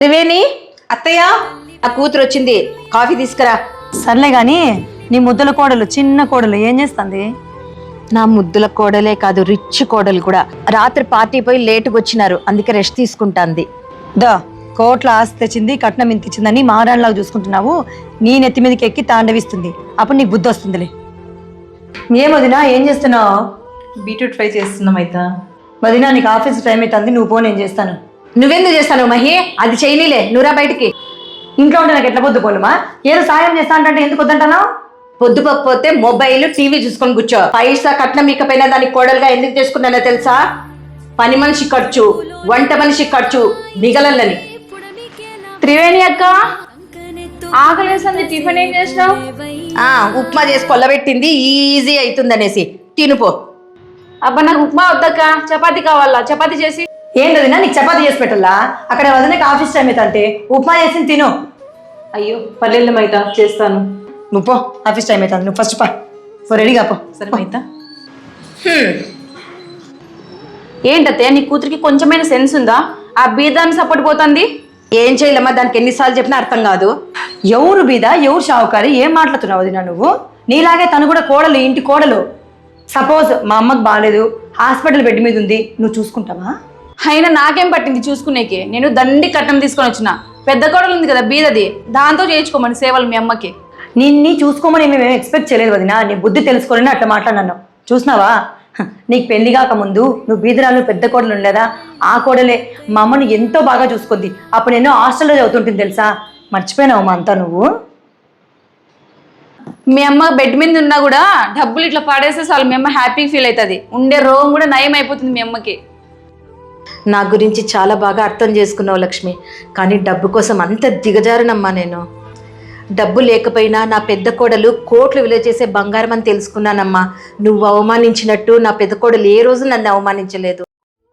త్రివేణి అత్తయ్య ఆ కూతురు వచ్చింది, కాఫీ తీసుకురా. సర్లే గాని నీ ముద్దుల కోడలు చిన్న కోడలు ఏం చేస్తుంది? నా ముద్దుల కోడలే కాదు, రిచ్ కోడలు కూడా. రాత్రి పార్టీ పోయి లేటుగా వచ్చినారు, అందుకే రెస్ట్ తీసుకుంటాంది. దా కోట్ల ఆస్తి తెచ్చింది, కట్నం ఇంత ఇచ్చిందని మారాణలాగా చూసుకుంటున్నావు. నీ నెత్తి మీదకి ఎక్కి తాండవిస్తుంది, అప్పుడు నీకు బుద్ధి వస్తుందిలే. ఏమొదినా ఏం చేస్తున్నావు? బీట్రూట్ ఫ్రై చేస్తున్నాం అయితే. వదినా నీకు ఆఫీస్ టైం అవుతుంది, నువ్వు పో, నేను చేస్తాను. నువ్వెందుకు చేస్తాను మహి? అది చేయనీలే, నువ్వురా బయటికి. ఇంట్లో ఉంటే నాకు ఎట్లా పొద్దు పోలుమా? ఏదో సాయం చేస్తా అంటే ఎందుకు వద్దంటాను? పొద్దుపోకపోతే మొబైల్ టీవీ చూసుకొని కూర్చో. పైసా కట్నం ఇకపోయినా దానికి కోడలుగా ఎందుకు చేసుకున్నానో తెలుసా? పని మనిషి ఖర్చు, వంట మనిషి ఖర్చు మిగలలని. త్రివేణి అక్క, ఆకలేసింది, టిఫిన్ ఏం చేసినావు? ఉప్మా చేసి కొల్లబెట్టింది, ఈజీ అవుతుందనేసి తినుపో. అబ్బా నాకు ఉప్మా వద్దక్క, చపాతీ కావాలా, చపాతీ చేసి. ఏంటదినా నీకు చపాతీ చేసి పెట్టాలా? అక్కడ వదినకి ఆఫీస్ టైం అవుతుంటే ఉప్మా చేసి తిను. అయ్యో పల్లెల్లో మైతా చేస్తాను. నువ్వు పో, ఆఫీస్ టైం అవుతుంది, నువ్వు ఫస్ట్ పో, రెడీగా పో. సరే మైతా. ఏంటత్తయ్య నీ కూతురికి కొంచెమైనా సెన్స్ ఉందా? ఆ బీదాన్ని సపోర్ట్ పోతుంది. ఏం చేయలేమ్మా, దానికి ఎన్నిసార్లు చెప్పినా అర్థం కాదు. ఎవరు బీద ఎవరు షావుకారి? ఏం మాట్లాడుతున్నావు వదినా నువ్వు? నీలాగే తను కూడా కోడలు, ఇంటి కోడలు. సపోజ్ మా అమ్మకు బాగాలేదు, హాస్పిటల్ బెడ్ మీద ఉంది, నువ్వు చూసుకుంటావా? అయినా నాకేం పట్టింది చూసుకునేకి? నేను దండి కట్నం తీసుకొని వచ్చిన. పెద్ద కోడలు ఉంది కదా బీదది, దాంతో చేయించుకోమని సేవలు మీ అమ్మకి. నిన్ని చూసుకోమని మేము ఎక్స్పెక్ట్ చేయలేదు వదినా. నీ బుద్ధి తెలుసుకోవాలని అట్లా మాట్లాడినాను. చూసినావా, నీకు పెళ్లి కాక ముందు నువ్వు బీదరాలు పెద్ద కోడలు ఉండేదా? ఆ కోడలే మా అమ్మని ఎంతో బాగా చూసుకుంది. అప్పుడు ఎన్నో హాస్టల్లో చదువుతుంటుంది తెలుసా? మర్చిపోయినావు మా అంతా నువ్వు. మీ అమ్మ బెడ్ మీద ఉన్నా కూడా డబ్బులు ఇట్లా పడేస్తే చాలు మీ అమ్మ హ్యాపీ ఫీల్ అవుతుంది. ఉండే రోగం కూడా నయం అయిపోతుంది మీ అమ్మకి. నా గురించి చాలా బాగా అర్థం చేసుకున్నావు లక్ష్మి, కానీ డబ్బు కోసం అంత దిగజారునమ్మా నేను. డబ్బు లేకపోయినా నా పెద్ద కోడలు కోట్లు విలువ చేసే బంగారం అని తెలుసుకున్నానమ్మా. నువ్వు అవమానించినట్టు నా పెద్ద కోడలు ఏ రోజు నన్ను అవమానించలేదు.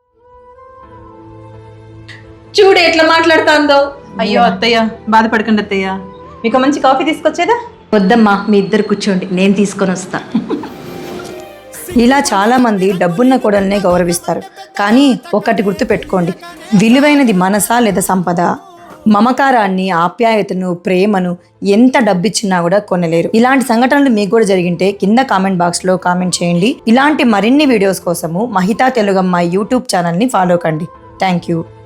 చూడు ఎట్లా మాట్లాడుతుందో. అయ్యో అత్తయ్య బాధపడకండి అత్తయ్య, మీకు మంచి కాఫీ తీసుకొచ్చేదా? వద్దమ్మా, మీ ఇద్దరు కూర్చోండి, నేను తీసుకొని వస్తా. ఇలా చాలా మంది డబ్బున్న కోడల్నే గౌరవిస్తారు. కానీ ఒకటి గుర్తు పెట్టుకోండి, విలువైనది మనసా లేదా సంపద? మమకారాన్ని, ఆప్యాయతను, ప్రేమను ఎంత డబ్బిచ్చినా కూడా కొనలేరు. ఇలాంటి సంఘటనలు మీకు కూడా జరిగింటే కింద కామెంట్ బాక్స్లో కామెంట్ చేయండి. ఇలాంటి మరిన్ని వీడియోస్ కోసము మహితా తెలుగమ్మ యూట్యూబ్ ఛానల్ని ఫాలో కండి. Thank you.